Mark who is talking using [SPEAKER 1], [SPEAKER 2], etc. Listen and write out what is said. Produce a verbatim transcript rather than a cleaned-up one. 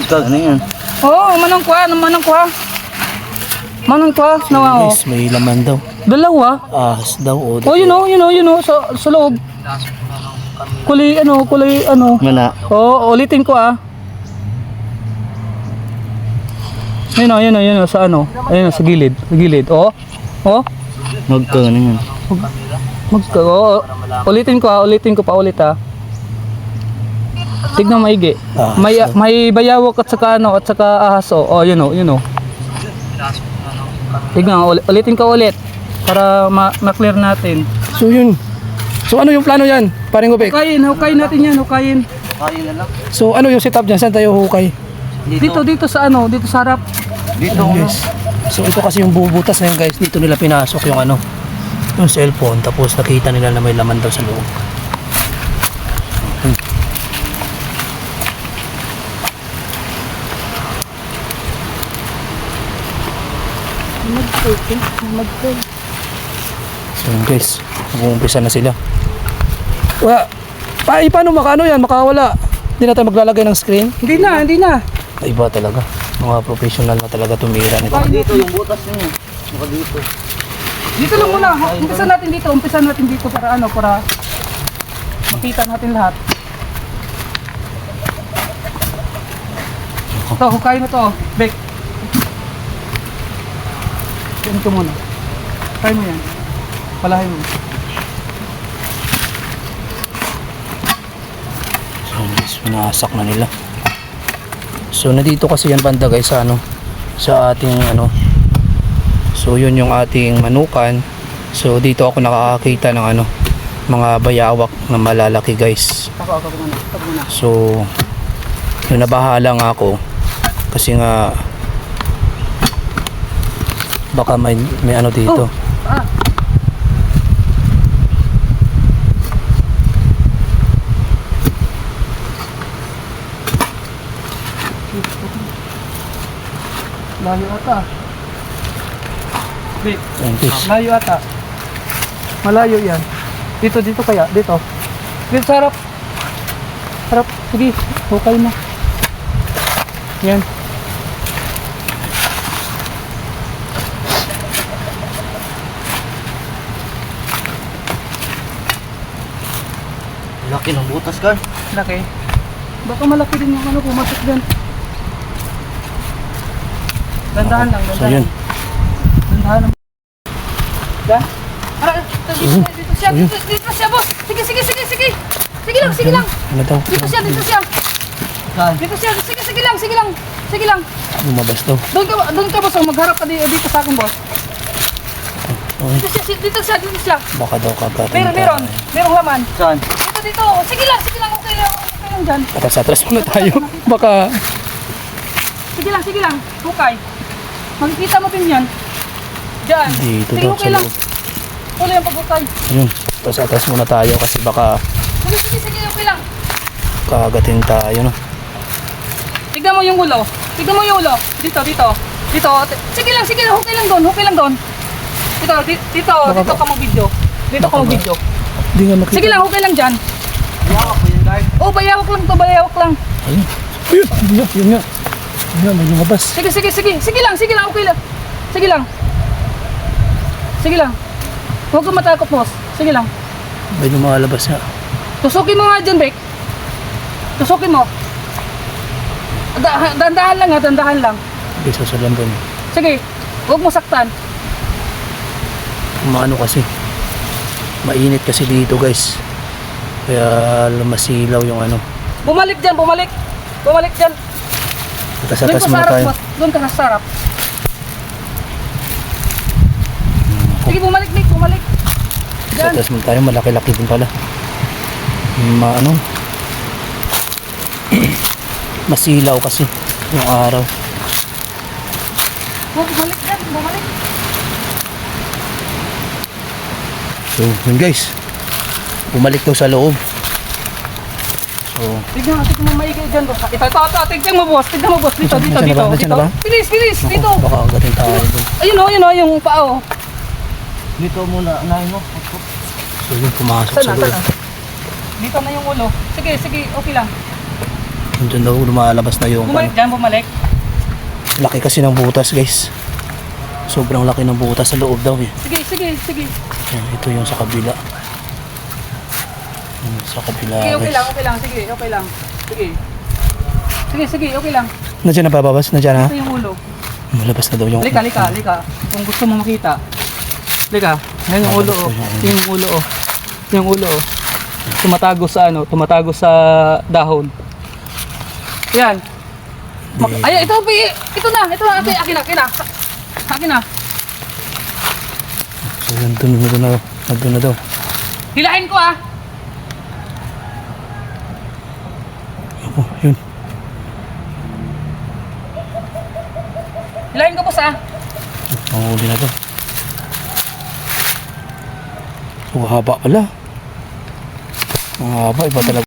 [SPEAKER 1] Magkag na yan.
[SPEAKER 2] Oo, manang kuha, manang kuha. Manang kuha, nawa oh.
[SPEAKER 1] Guys, may laman daw.
[SPEAKER 2] Dalawa.
[SPEAKER 1] Ahas daw. O,
[SPEAKER 2] Oh, yun oh, yun oh, yun oh, sa, sa loob. Kulay ano, kulay ano.
[SPEAKER 1] Mana.
[SPEAKER 2] Oo, ulitin ko ah. Yun oh, yun oh, yun oh, sa ano. Ayun oh, sa gilid, sa gilid. Oh. Oh.
[SPEAKER 1] Magkag na yan.
[SPEAKER 2] Magka, oh. Ulitin ko ah, ulitin ko pa ulit ah. Tignan maigi.
[SPEAKER 1] Ah,
[SPEAKER 2] May may bayawak at saka ano, at saka ahas oh. Oh, yun oh, yun oh. Tignan, ul- ulitin ko ulit para ma- ma-clear natin.
[SPEAKER 3] So yun. So ano yung plano yan? Paring Gopek.
[SPEAKER 2] Hukayin, hukayin natin yan, hukayin.
[SPEAKER 1] Kain na lang.
[SPEAKER 3] So ano yung setup dyan? Saan tayo hukay?
[SPEAKER 2] Dito, dito sa ano, dito sa harap.
[SPEAKER 1] Dito.
[SPEAKER 3] Ayan, guys. So ito kasi yung bubutas na yun guys. Dito nila pinasok yung ano, yung cellphone. Tapos nakita nila na may laman daw sa loob. Hmm. So yun guys. Mag-uumpisa na sila. Wala. Pa, eh, paano makano yan? Makawala. Hindi na tayo maglalagay ng screen.
[SPEAKER 2] Hindi na, hindi na.
[SPEAKER 3] Ay, iba talaga. Mga professional na talaga tumira nito.
[SPEAKER 1] Dito yung butas niyo. Saka dito.
[SPEAKER 2] Dito lang muna. Umpisa natin dito, umpisa natin dito para ano, para makita natin lahat. Ito, hukayin mo to. Bek. Yan ko muna. Hukayin mo yan. Palahin mo.
[SPEAKER 3] So guys, pinasak na nila. So nandito kasi yan banda guys sa ano, sa ating ano. So yun yung ating manukan. So dito ako nakakakita ng ano, mga bayawak na malalaki guys.
[SPEAKER 2] Ako, ako muna. Ako muna.
[SPEAKER 3] So yun, nabahala nga ako kasi nga baka may, may ano dito.
[SPEAKER 2] Oh, ah. Layo ata. Bek.
[SPEAKER 3] Ayan, guys.
[SPEAKER 2] Layo ata. Malayo yan. Dito, dito kaya. Dito. Dito sa harap. Harap. Sige. Hukay mo. Yan.
[SPEAKER 1] Laki ng butas ka.
[SPEAKER 2] Laki. Baka malaki din yung ano pumasok dyan. Dandahan lang.
[SPEAKER 3] So
[SPEAKER 2] Dandahan.
[SPEAKER 3] yun.
[SPEAKER 2] Dandahan lang. Yan. Ara, dito, dito siya. Dito, dito siya, boss. Sige, sige, sige, sige. Sige lang, sige lang.
[SPEAKER 3] Ano daw?
[SPEAKER 2] Dito siya, dito siya.
[SPEAKER 1] Saan?
[SPEAKER 2] Dito siya. Sige, sige lang, sige lang. Sige lang.
[SPEAKER 3] Lumabas daw.
[SPEAKER 2] Doon ka, doon ka, boss. Oh, magharap ka dito, dito sa akin, boss.
[SPEAKER 3] Okay.
[SPEAKER 2] Dito siya, dito siya, dito siya.
[SPEAKER 3] Baka daw kagatan.
[SPEAKER 2] Meron, meron. Merong laman.
[SPEAKER 1] Saan?
[SPEAKER 2] Dito, dito. Sige lang, sige lang. Okay lang, okay lang dyan.
[SPEAKER 3] Atras-atras muna tayo. Baka
[SPEAKER 2] Sige lang, sige lang. Hukay. Makikita mo din yan. Diyan.
[SPEAKER 3] dito
[SPEAKER 2] Sige,
[SPEAKER 3] daw
[SPEAKER 2] okay
[SPEAKER 3] sa
[SPEAKER 2] lang.
[SPEAKER 3] loob.
[SPEAKER 2] Tuloy ang paghukay.
[SPEAKER 3] Ayun. Atras-atras muna tayo kasi baka
[SPEAKER 2] Sige, sige, sige. Okay lang.
[SPEAKER 3] kagatin tayo no.
[SPEAKER 2] Tignan mo yung ulo. Tignan mo yung ulo. Dito, dito. Dito. Sige lang, sige lang. Okay lang doon. Okay lang doon. Dito, dito. Dito,
[SPEAKER 3] Baka
[SPEAKER 2] dito
[SPEAKER 3] ba-
[SPEAKER 2] ka mag-video. Dito ka
[SPEAKER 3] baka ba-
[SPEAKER 2] mag-video.
[SPEAKER 3] Hindi nga makita.
[SPEAKER 2] Sige lang, okay lang dyan.
[SPEAKER 1] Yawak ko yun guys.
[SPEAKER 2] Oh, bayawak lang to. Bayawak lang.
[SPEAKER 3] Ayun. Ayun. Yun nga. Yun nga. Yun nga. May lumabas.
[SPEAKER 2] Sige, sige, sige. Sige lang, sige lang. Okay lang. Sige lang. Sige lang. Huwag kang matakot, boss. Sige lang.
[SPEAKER 3] May lumalabas nga.
[SPEAKER 2] Tusukin mo nga dyan, Bek. Tusukin mo. Da- dandahan lang ha, dandahan lang.
[SPEAKER 3] Okay, sasalan doon.
[SPEAKER 2] Sige, huwag mo saktan.
[SPEAKER 3] Maano kasi. Mainit kasi dito guys. Kaya masilaw yung ano.
[SPEAKER 2] Bumalik dyan, bumalik. Bumalik dyan. Doon
[SPEAKER 3] Atas-atas
[SPEAKER 2] ka sa
[SPEAKER 3] muna
[SPEAKER 2] harap,
[SPEAKER 3] tayo.
[SPEAKER 2] boss. Doon ka sa harap. Sige, bumalik, Bek, bumalik. Dyan.
[SPEAKER 3] Atas muna tayo. Malaki-laki din pala. Maano. Masilaw kasi yung araw.
[SPEAKER 2] Huwag bumalik dyan, bumalik.
[SPEAKER 3] So yun guys. Bumalik daw sa loob. So
[SPEAKER 2] Tignan, tignan mo maigi dyan, boss. Ito, ito, ito, tignan mo, boss. Tignan mo, boss. Dito,
[SPEAKER 3] Nasaan-
[SPEAKER 2] dito,
[SPEAKER 3] nasaan na
[SPEAKER 2] dito.
[SPEAKER 3] ba? Nasaan na
[SPEAKER 2] dito.
[SPEAKER 3] ba?
[SPEAKER 2] Bilis, bilis,
[SPEAKER 3] naku,
[SPEAKER 2] dito.
[SPEAKER 3] baka agatin tayo doon.
[SPEAKER 2] Ayun o, ayun o, yung paa o.
[SPEAKER 1] Dito muna. Nahin mo.
[SPEAKER 3] So yun pumasok
[SPEAKER 2] Saan
[SPEAKER 3] sa
[SPEAKER 2] na,
[SPEAKER 3] loob.
[SPEAKER 2] saan na? Dito na yung ulo. Sige, sige, okay lang.
[SPEAKER 3] Diyan daw lumalabas na yung
[SPEAKER 2] Bumalik
[SPEAKER 3] ano.
[SPEAKER 2] dyan, bumalik.
[SPEAKER 3] Laki kasi ng butas guys. Sobrang laki ng butas sa loob daw eh.
[SPEAKER 2] Sige, sige, sige.
[SPEAKER 3] Yan, ito yung sa kabila. Yan, sa kabila
[SPEAKER 2] Sige, okay
[SPEAKER 3] guys.
[SPEAKER 2] lang, okay lang. Sige, okay lang. Sige. Sige, sige, okay lang.
[SPEAKER 3] Nandiyan na bababas? Nandiyan na?
[SPEAKER 2] Ito yung ulo.
[SPEAKER 3] Malabas na daw yung...
[SPEAKER 2] Lika, lika, lika. Kung gusto mo makita. Lika. Yan yung ulo, oh. Ito yung ulo, oh. Ito yung ulo, oh. Tumatago sa ano, tumatago sa dahon. Yan. Mak- Ay, ito, pi- ito na, ito na, akin, akin na, akin na. Akin na.
[SPEAKER 3] So, nandun na daw. Nandun na daw.
[SPEAKER 2] Hilahin ko, ah.
[SPEAKER 3] Oh, yun.
[SPEAKER 2] Hilahin ko, boss, ah.
[SPEAKER 3] Mahuli na daw. So, haba pala. Ang haba, iba talaga.